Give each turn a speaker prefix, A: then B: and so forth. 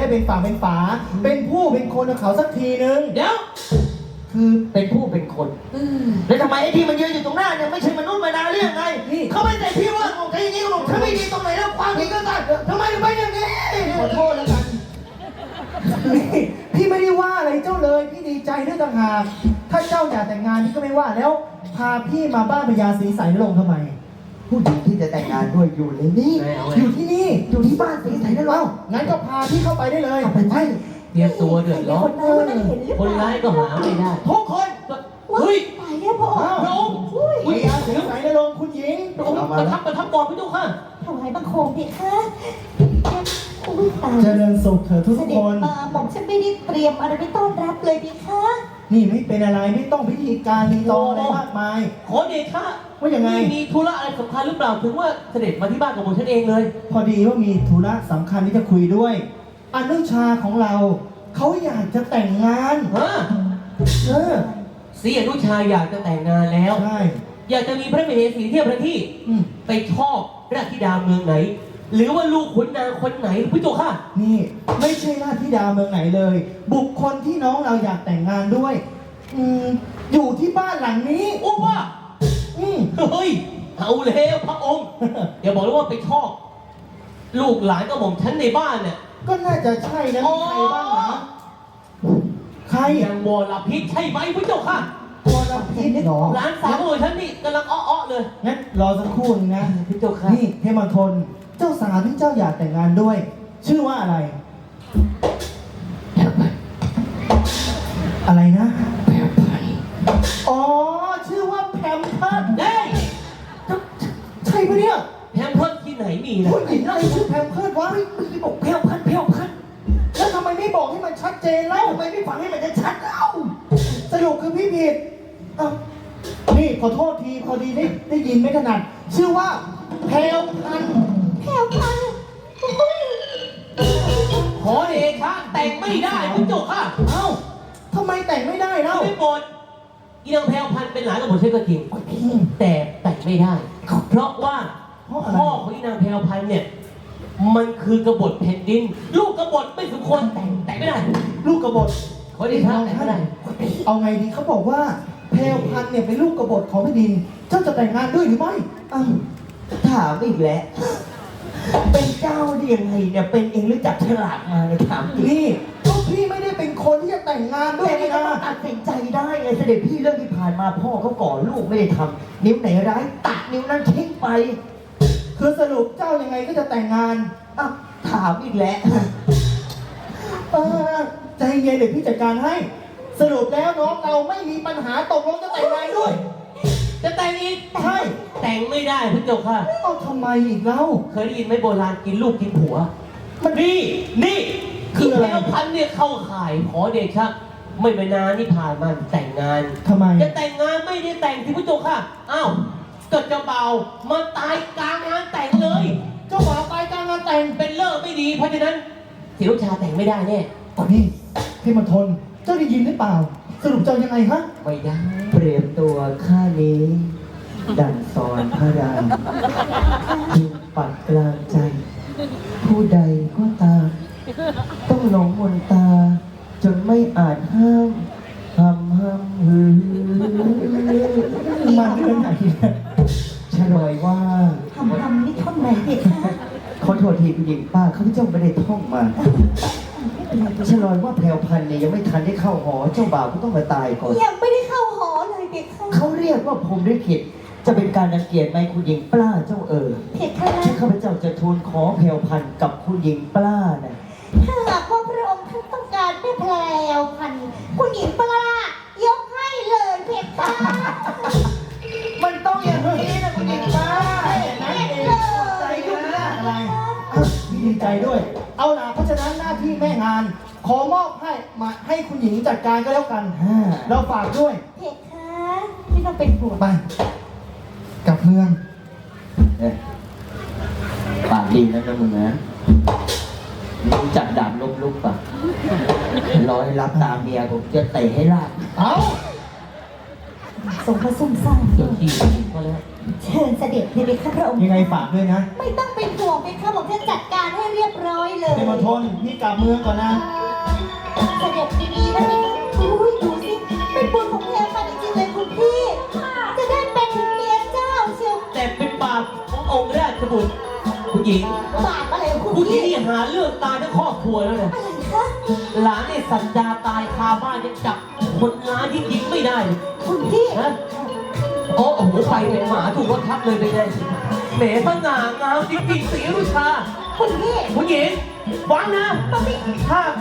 A: ได้เป็นฝั่งเป็นฝาเป็นผู้เป็นคนกับเขาสักทีนึง
B: เดี๋ยว
A: คือ
B: เป็นผู้เป็นคนแล้วทำไมไอ้ที่มันยืนอยู่ตรงหน้าเนี่ยไม่ใช่มนุษย์มนาเรื่องไงเขาไม่แต่พี่ว่าของใครอย่างนี้ของฉันไม่ดีตรงไหนแล้วความผิดก็ตัดทำไมถึงไปอย่างนี้
A: ขอโทษแล้วกันพี่ไม่ได้ว่าอะไรเจ้าเลยพี่ดีใจด้วยต่างหากถ้าเจ้าอยากแต่งงานพี่ก็ไม่ว่าแล้วพาพี่มาบ้านพญาศรีสายนรงค์ทำไม
C: ผู้หญิงที่จะแต่งงานด้วยอยู่ในนี้
A: อยู่ที่นี่
C: อยู่ที่บ้านศรีสายนรงค์
A: งั้นก็พาพี่เข้าไปได้เลย
C: ไปไป
B: เตรียมตัวเดือดร้อนคนร้ายก็หาไม่ได้
A: ทุกคน
D: เฮ้ยตายแล้วพ่อ
A: พระองค์พญาศรีสายนรงค์คุณหญิง
B: พระองค์ประทับก่อนพี่ทุกข้า
D: ถวายบังคมเพคะ
A: เจริญสุขเถิดทุกคน
D: ผมฉันไม่ได้เตรียมอะไรไปต้อนรับเลยเพคะ
A: นี่ไม่เป็นอะไรไม่ต้องพิธีการรีตองอะไรมากมาย
B: ขอเดชะ
A: ว่าอย่างไง
B: มีธุระอะไรสำคัญหรือเปล่าถึงว่าเสด็จมาที่บ้านของผมฉันเองเลย
A: พอดีว่ามีธุระสำคัญที่จะคุยด้วยอนุชาของเราเขาอยากจะแต่งงาน
B: สีอนุชาอยากจะแต่งงานแล้ว
A: ใช่
B: อยากจะมีพระมเหสีเทียบพระที่ไปชอบราชธิดาเมืองไหนหรือว่าลูกขุนนางคนไหนพี่โจค่ะ
A: นี่ไม่ใช่ราชธิดาเมืองไหนเลย บุคคลที่น้องเราอยากแต่งงานด้วยอยู่ที่บ้านหลังนี้
B: โอ้ว่าเฮ้ยเอาแล้วพระองค์อย่าบอกเลยว่าไปชอบลูกหลานก็บอกฉันในบ้านเนี่ย
A: ก็น่าจะใช่นะใครบ้างนะใคร
B: อย่างวรพิษใช่ไหมพี่โจค่ะ
A: วรพิษหรอ
B: หลานสาวของฉันนี่กำลังอ้อเลย
A: งั้นรอสักครู่นึงนะ
B: พี่โจค่ะ
A: นี่เทมทนเจ้าสาวที่เจ้าอยากแต่งงานด้วยชื่อว่าอะไรอะไรนะ
B: แพมเพิร์ส
A: อ๋อชื่อว่าแพมเพิร์ส
B: ได้
A: ใช่ปะเนี่ย
B: แพมเพิร์สที่ไหนมีนะ
A: ผู้หญิงอะไรชื่อแพมเพิร์สวะไม่บอกแพมเพิร์สแล้วทำไมไม่บอกให้มันชัดเจนแล้วทำไมไม่ฟังให้มันชัดเล่าสรุปคือพี่ผิดนี่ขอโทษทีพอดีได้ยินไม่ถนัดชื่อว่าแพรวพันธุ์
B: ขอเดชะแต่งไม่ได้พี่โจค่ะ
A: เอ้าทำไมแต่งไม่ได้เล่า
B: ไม่โปรดอีนางแพรวพันธุ์เป็นหลานของผมใช่ก็จริงแต่แต่งไม่ได้เพราะว่าพ่อของอีนางแพรวพันธุ์เนี่ยมันคือกบฏแผ่นดินลูกกบฏไม่สมควรแต่งไม่ได้
A: ลูกกบฏ
B: ขอเดชะแต่งไม่ได้
A: เอาไงดีเขาบอกว่าแพรวพันธุ์เนี่ยเป็นลูกกบฏของแผ่นดินเจ้าจะแต่งงานด้วยหรือไม่
C: ถามอีกแล้วเป็นเจ้าได้ยังไงเนี่ยเป็นเองหรือจับฉลากมาเนี่ยถาม
A: นี่ก็พี่ไม่ได้เป็นคนที่จะแต่งงานด้วย
C: นะตัดสินใจได้ไงเสด็จพี่เรื่องที่ผ่านมาพ่อเขาก่อลูกไม่ได้ทำนิ้วไหนร้ายตัดนิ้วนั้นทิ้งไป
A: คือสรุปเจ้ายังไงก็จะแต่งงาน
C: ถามอีกแล้ว
A: ใจเย็นเดี๋ยวพี่จัดการให้สรุปแล้วน้องเราไม่มีปัญหาตกลงจะแต่งงานด้วย
B: จะแต่งอีก
A: ใช่
B: แต่งไม่ได้พี่โจค่ะ
A: ทำไมอีกเล่า
B: เคยได้ยินไหมโบราณกินลูกกินผัวนี่คือแพรวพันธุ์เนี่ยเข้าข่ายขอเดชะไม่ไปนานที่ผ่านมาแต่งงาน
A: ทำไม
B: จะแต่งงานไม่ได้แต่งที่พี่โจค่ะอ้าวเกิดจะเบามาตายกลางงานแต่งเลย
A: เจ้าบ่าวตายกลางงานแต่ง
B: เป็นเลิกไม่ดีเพราะฉะนั้นศิรุชาแต่งไม่ได้แน่
A: ตอนนี้พี่มันทนเจ้าได้ยินหรือเปล่าสรุปเจ้ายังไงฮะ
B: ไม่ได้
C: เปรียบตัวข้านี้ดันสอนพระรามจึงปักกลางใจผู้ใดก็ตามต้องหลงมนตาจนไม่อาจห้ามหือ
A: มันเป็นไหน
C: ฉลอยว่า
D: นี่ท่อนไหนเด็กคะ
C: ขอโทษทีผู้หญิงป้าข้าพเจ้าไม่ได้ท่องมาฉลอยว่าแพรวพันธุ์เนี่ยยังไม่ทันได้เข้าหอเจ้าบ่าวก็ต้องมาตายก่อน
D: ยังไม่ได้เข้าหอเลยเด็กค่ะ
C: เขาเรียกว่าพรหมลิขิตจะเป็นการรังเกียจไหมคุณหญิงปล้าเจ้า
D: เผ็ดค่ะ
C: ที่ข้าพเจ้าจะทูลขอแพรวพันธุ์กับคุณหญิงปล้านะ
D: ถ้าหากว่าพระองค์ท่านต้องการแม่แพรวพันธุ์คุณหญิงปล้ายกให้เลยเผ็ดค่ะ
A: มันต้องอย่างนี้นะคุณหญิงปล้าใจยุ่งยากอะไรดีใจด้วยเอาล่ะเพราะฉะนั้นหน้าที่แม่งานขอมอบให้คุณหญิงจัดการก็แล้วกันเราฝากด้วย
D: เผ็ดค่ะไม่ต้องเป็นห่วง
A: ไปกลับเมือง
C: ปากดีนะมึงนะรู้จักดาบลุกป่ะรอให้รับตาเมียผมจะเตะให้ลาก
A: เอา
D: ทรงพระซุ่มซ่าม
B: เดี๋ยวขี่มาแล้ว
D: เชิญเสด็จเลยไหมคะพระองค์
A: ยังไงฝากด้วยนะ
D: ไม่ต้องเป็นห่วงเป็นข้าบอกจะจัดการให้เรียบร้อยเลย
A: เดมอนทนพี่กลับเมืองก่อนนะ
D: เสด็จดีๆนะพี่อุ้ยดูสิเป็นบุญของแพรพันธุ์จริงๆเลยคุณพี่ จะได้เป็นถึงเมียเจ้าเชียว
B: แต่เป็นบาปขององค์ราชบุตรผู้หญิง
D: บาปอะไรของคุณ
B: ผู้หญิง
D: พี่
B: นี่หาเรื่องตายทั้งครอบครัวแล้วเนี่ย
D: อะไรคะ
B: หลานในสัญญาตายคาบ้านยังจับคนร้ายที่ยิงไม่ได้เลย
D: คุณพี่
B: ฮะโอ้โหไปเป็นหมาถูกรถทับเลยเป็นไงแหมสง่างามจริงๆศรีรุชา
D: คุณพี่
B: ผู้หญิงฟังนะ
D: มันไม่
B: ถ้า